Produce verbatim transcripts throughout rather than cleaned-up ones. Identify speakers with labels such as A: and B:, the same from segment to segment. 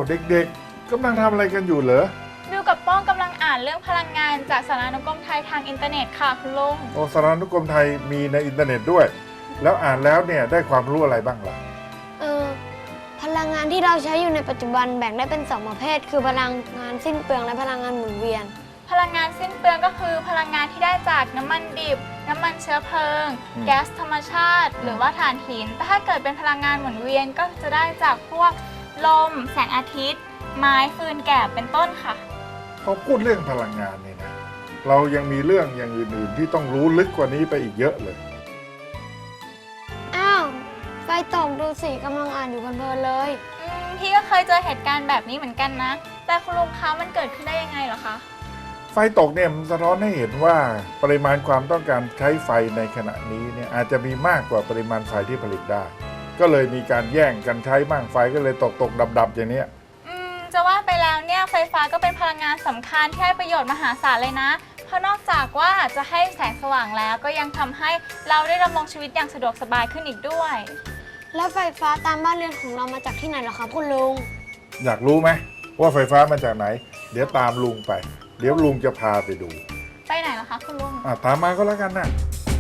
A: เด็กๆกำลังทำอะไรกันอยู่เหรอ
B: บิวกับป้องกำลังอ่านเรื่องพลังงานจากสารานุกรมไทยทางอินเทอร์เน็ตค่ะคุณลุง
A: โอ้สารานุกรมไทยมีในอินเทอร์เน็ตด้วยแล้วอ่านแล้วเนี่ยได้ความรู้อะไรบ้างล่ะ
C: เออพลังงานที่เราใช้อยู่ในปัจจุบันแบ่งได้เป็นสองประเภทคือพลังงานสิ้นเปลืองและพลังงานหมุนเวียน
B: พลังงานสิ้นเปลืองก็คือพลังงานที่ได้จากน้ำมันดิบน้ำมันเชื้อเพลิงแก๊สธรรมชาติหรือว่าถ่านหินแต่ถ้าเกิดเป็นพลังงานหมุนเวียนก็จะได้จากพวกลมแสงอาทิตย์ไม้ฟืนแกบเป็นต้นค่ะ
A: พอพูดเรื่องพลังงานนี่นะเรายังมีเรื่องอย่างอื่นๆที่ต้องรู้ลึกกว่านี้ไปอีกเยอะเลย
C: อ้าวไฟตกดูสิกำลังอ่านอยู่เพลินๆเลย
B: อืมพี่ก็เคยเจอเหตุการณ์แบบนี้เหมือนกันนะแต่คุณลุงคะมันเกิดขึ้นได้ยังไงเหรอคะ
A: ไฟตกเนี่ยมันสะท้อนให้เห็นว่าปริมาณความต้องการใช้ไฟในขณะนี้เนี่ยอาจจะมีมากกว่าปริมาณไฟที่ผลิตได้ก็เลยมีการแย่งกันใช้บ้างไฟก็เลยตกตกดับดับอย่างนี้
B: อืมจะว่าไปแล้วเนี่ยไฟฟ้าก็เป็นพลังงานสำคัญที่ให้ประโยชน์มหาศาลเลยนะเพราะนอกจากว่าจะให้แสงสว่างแล้วก็ยังทำให้เราได้ดำรงชีวิตอย่างสะดวกสบายขึ้นอีกด้วย
C: แล้วไฟฟ้าตามบ้านเรือนของเรามาจากที่ไหนเหรอครับคุณลุง
A: อยากรู้ไหมว่าไฟฟ้ามาจากไหนเดี๋ยวตามลุงไปเดี๋ยวลุงจะพาไปดู
B: ไปไหนเหรอคะคุณลุง
A: อ่ะตามมาก็แล้วกันนะ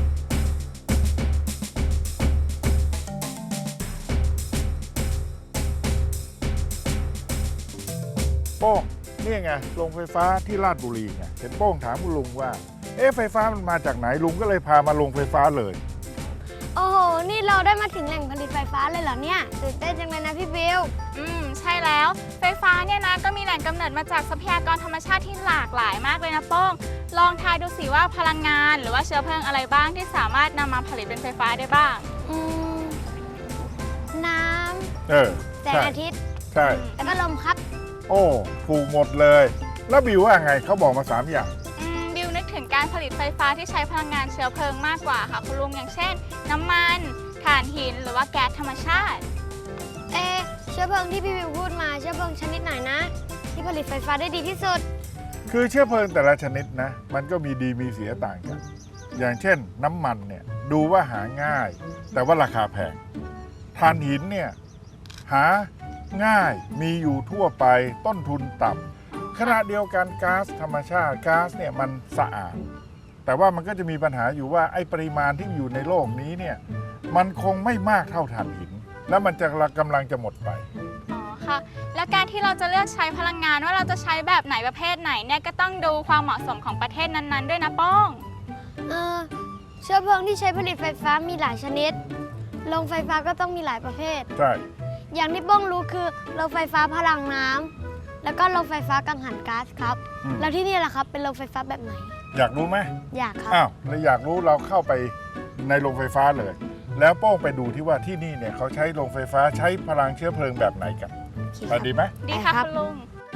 A: โป้งนี่ไงโรงไฟฟ้าที่ลาดบุรีไงเห็นโป้งถามคุณลุงว่าเอ๊ะไฟฟ้ามันมาจากไหนลุงก็เลยพามาโรงไฟฟ้าเลย
C: โอ้โหนี่เราได้มาถึงแหล่งผลิตไฟฟ้าเลยเหรอเนี่ยตื่นเต้นจังเลยนะพี่บิว
B: อืมใช่แล้วไฟฟ้าเนี่ยนะก็มีแหล่งกำเนิดมาจากทรัพยากรธรรมชาติที่หลากหลายมากเลยนะโป้งลองทายดูสิว่าพลังงานหรือว่าเชื้อเพลิงอะไรบ้างที่สามารถนำมาผลิตเป็นไฟฟ้าได้บ้าง
C: อืมน้ำ
A: เออ
C: แสงอาทิตย์
A: ใช่
C: แล้วก็ลมครับ
A: โอ้ถูกหมดเลยแล้วบิวว่าไงเขาบอกมาสามอย่าง
B: อืมบิวนึกถึงการผลิตไฟฟ้าที่ใช้พลังงานเชื้อเพลิงมากกว่าค่ะคุณลุงอย่างเช่นน้ำมันถ่านหินหรือว่าแก๊สธรรมชาติ
C: เอเชื้อเพลิงที่พี่บิวพูดมาเชื้อเพลิงชนิดไหนนะที่ผลิตไฟฟ้าได้ดีที่สุด
A: คือเชื้อเพลิงแต่ละชนิดนะมันก็มีดีมีเสียต่างกันอย่างเช่นน้ำมันเนี่ยดูว่าหาง่ายแต่ว่าราคาแพงถ่านหินเนี่ยหาง่ายมีอยู่ทั่วไปต้นทุนต่ำขณะเดียวกันก๊าซธรรมชาติก๊าซเนี่ยมันสะอาดแต่ว่ามันก็จะมีปัญหาอยู่ว่าไอ้ปริมาณที่อยู่ในโลกนี้เนี่ยมันคงไม่มากเท่าถ่านหินแล้วมันจะกำลังจะหมดไป
B: อ๋อค่ะและการที่เราจะเลือกใช้พลังงานว่าเราจะใช้แบบไหนประเภทไหนเนี่ยก็ต้องดูความเหมาะสมของประเทศนั้นๆด้วยนะป้อง
C: เออเชื้อเพลิงที่ใช้ผลิตไฟฟ้ามีหลายชนิดโรงไฟฟ้าก็ต้องมีหลายประเภท
A: ใช่
C: อย่างที่ป้องรู้คือโรงไฟฟ้าพลังน้ำแล้วก็โรงไฟฟ้ากังหันก๊าซครับแล้วที่นี่ล่ะครับเป็นโรงไฟฟ้าแบบไหน
A: อยากรู้ไหม
C: อยากครับ
A: อ้าวแล้วอยากรู้เราเข้าไปในโรงไฟฟ้าเลยแล้วโป้งไปดูที่ว่าที่นี่เนี่ยเขาใช้โรงไฟฟ้าใช้พลังเชื้อเพลิงแบบไหนกันไปดีไหม
B: ดีค่ะคุณลุง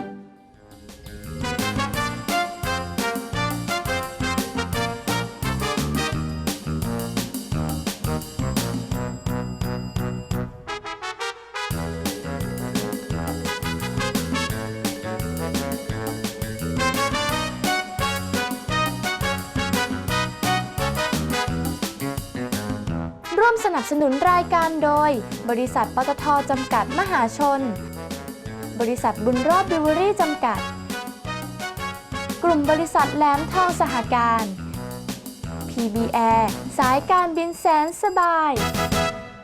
D: ร่วมสนับสนุนรายการโดยบริษัทปตท.จำกัดมหาชนบริษัทบุญรอดบิวเวอรี่จำกัดกลุ่มบริษัทแหลมทองสหการ พี บี แอร์ สายการบินแสนสบาย